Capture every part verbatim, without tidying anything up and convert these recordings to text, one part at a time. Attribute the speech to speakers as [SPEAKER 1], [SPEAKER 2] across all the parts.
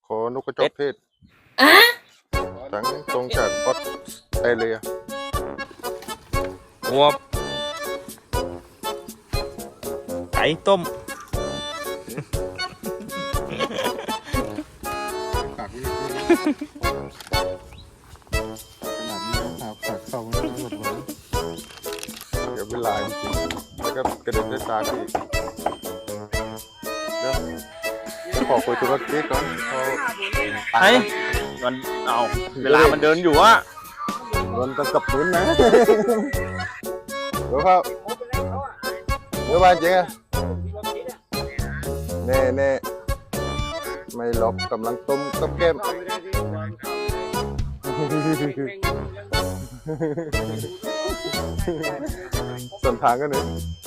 [SPEAKER 1] ขอนกกระจอกเทศทั้งตรงจากออสเตรเลีย
[SPEAKER 2] หัวไก่ต้ม
[SPEAKER 1] ปากวิ่งขนาดนี้หาปากเข้าไม่ได้หมดเลยเดี๋ยวเป็นลายจริงแล้วก็กระเด็นด้วยตาพี่เดี๋ยวขอคุยธุรกิจก่อนเขา
[SPEAKER 2] ไอ้มันเอาเวลามันเดินอยู่อะ
[SPEAKER 1] เงินจะกับพื้นนะเดี๋ยวครับเดี๋ยวบ้านเจ๊เน่เน่ไม่หลบกำลังต้มกับแก้มส่วนทางกันหนึ่ง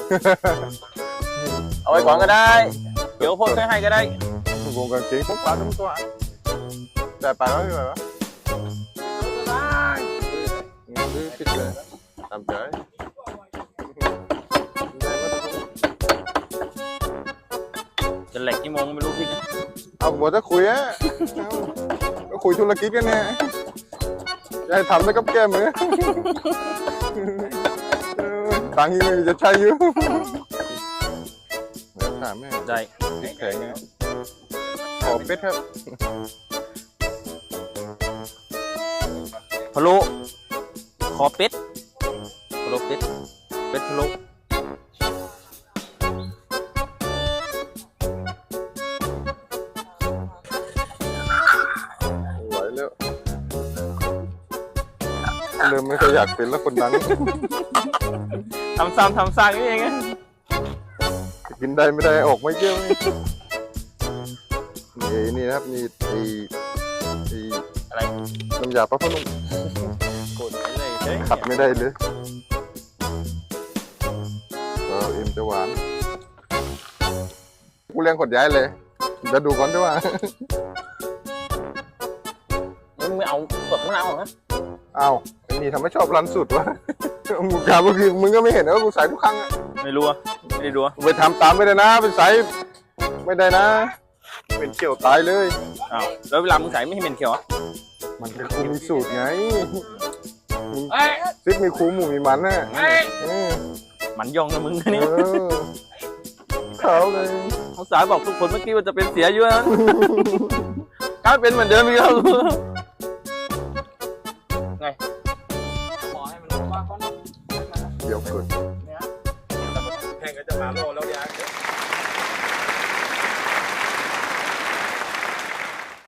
[SPEAKER 2] เอาไว้ก่อนก็ได้เดี๋ยวพ่นให้ก็ได้
[SPEAKER 1] วงกางเกงพวกปลาทั้งตัวแต่ปลาแล้วยังไงวะดื้อปิดเลยตามใจ
[SPEAKER 2] จะแหลกกี่โมงไม่รู้พี่นะ
[SPEAKER 1] เอาหมดจะคุยอะก็คุยธุรกิจกันเนี่ยจะให้ทำได้กับแก้มือตังค์ยังจะใช้อยู่ถามแม่
[SPEAKER 2] ได้
[SPEAKER 1] ติดแข็งขอเป็ดครับ
[SPEAKER 2] พะโล้คอเป็ดพะโล้เป็ดเป็ดพะโล้
[SPEAKER 1] ไหวแล้วเริ่มไม่ค่อยอยากเป็นแล้วคนดัง
[SPEAKER 2] ทำซ้ำทำซากนี่เองอะ
[SPEAKER 1] กินได้ไม่ได้ออกไม่เยอะนี่นี่นะครับนี่ไอ้ไอ้
[SPEAKER 2] อะไร
[SPEAKER 1] น้ำยาปลาพนุ่ม
[SPEAKER 2] กดไปเลยเฮ้ย
[SPEAKER 1] ขัดไม่ได้เลยก็เอ็มจะหวานกูเลี้ยงขดย้ายเลยจะดูก่อนด้วยว่า
[SPEAKER 2] มึงไม่เอาเปลือกมะนาวเหรอ
[SPEAKER 1] อ้าวไอ้นี่ทำไมชอบรันสุดวะ มึงถามก็คือมึงก็ไม่เห็นนะว่ากูใส่ทุกครั้งอะ
[SPEAKER 2] ไม่รู้อะไม่ได้ดูอะ
[SPEAKER 1] ไปทำตามไม่ได้นะไปใส่ไม่ได้นะ เป็นเกี่ยวตายเลย
[SPEAKER 2] อ้าวแล้วเวลามึงใส่ไม่ให้เหม็นเขียวอะ
[SPEAKER 1] มันเป็นครูมีสูตรไงมึงซิปมีครูหมูมีมันนะเออ
[SPEAKER 2] มันยองนะมึงนะ
[SPEAKER 1] เอ
[SPEAKER 2] นี่
[SPEAKER 1] อเขาเลย
[SPEAKER 2] เขาสายบอกทุกคนเมื่อกี้ว่าจะเป็นเสียอยู่นะ กลายเป็นเหมือนเดิมอีกแล้ว